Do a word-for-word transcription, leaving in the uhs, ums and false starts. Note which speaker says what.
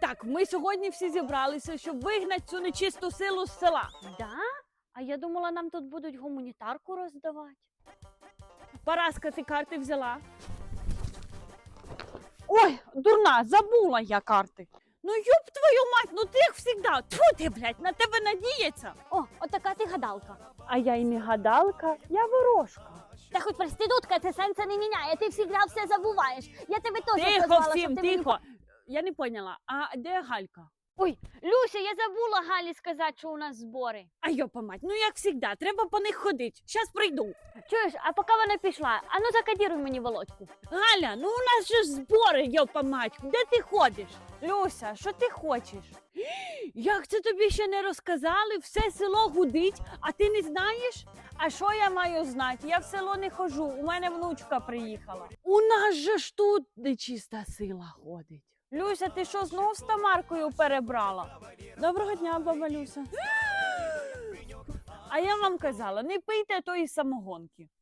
Speaker 1: Так, ми сьогодні всі зібралися, щоб вигнати цю нечисту силу з села.
Speaker 2: Да? А я думала, нам тут будуть гуманітарку роздавати.
Speaker 1: Параска, ти карти взяла? Ой, дурна, забула я карти. Ну ёб твою мать, ну ти як всегда. Тьфу ти, блядь, на тебе надіється.
Speaker 2: О, отака ти гадалка.
Speaker 1: А я і не гадалка, я ворожка.
Speaker 2: Та хоч проститутка, це сенсу не міняє, ти всегда все забуваєш. Я тебе теж
Speaker 1: Тихо
Speaker 2: позвала,
Speaker 1: всім,
Speaker 2: щоб ти мені...
Speaker 1: тихо. Я не поняла, а де Галька?
Speaker 2: Ой, Люся, я забула Галі сказати, що у нас збори.
Speaker 1: А йопа мать, ну як всегда, треба по них ходити. Щас прийду.
Speaker 2: Чуєш, а поки вона пішла, а ну закодіруй мені Володьку.
Speaker 1: Галя, ну у нас же ж збори, йопа мать, де ти ходиш? Люся, що ти хочеш? Як це тобі ще не розказали? Все село гудить, а ти не знаєш? А що я маю знати? Я в село не хожу, у мене внучка приїхала. У нас же ж тут нечиста сила ходить. Люся, ти що, знов з Тамаркою перебрала? Доброго дня, баба Люся. А я вам казала, не пийте тої самогонки.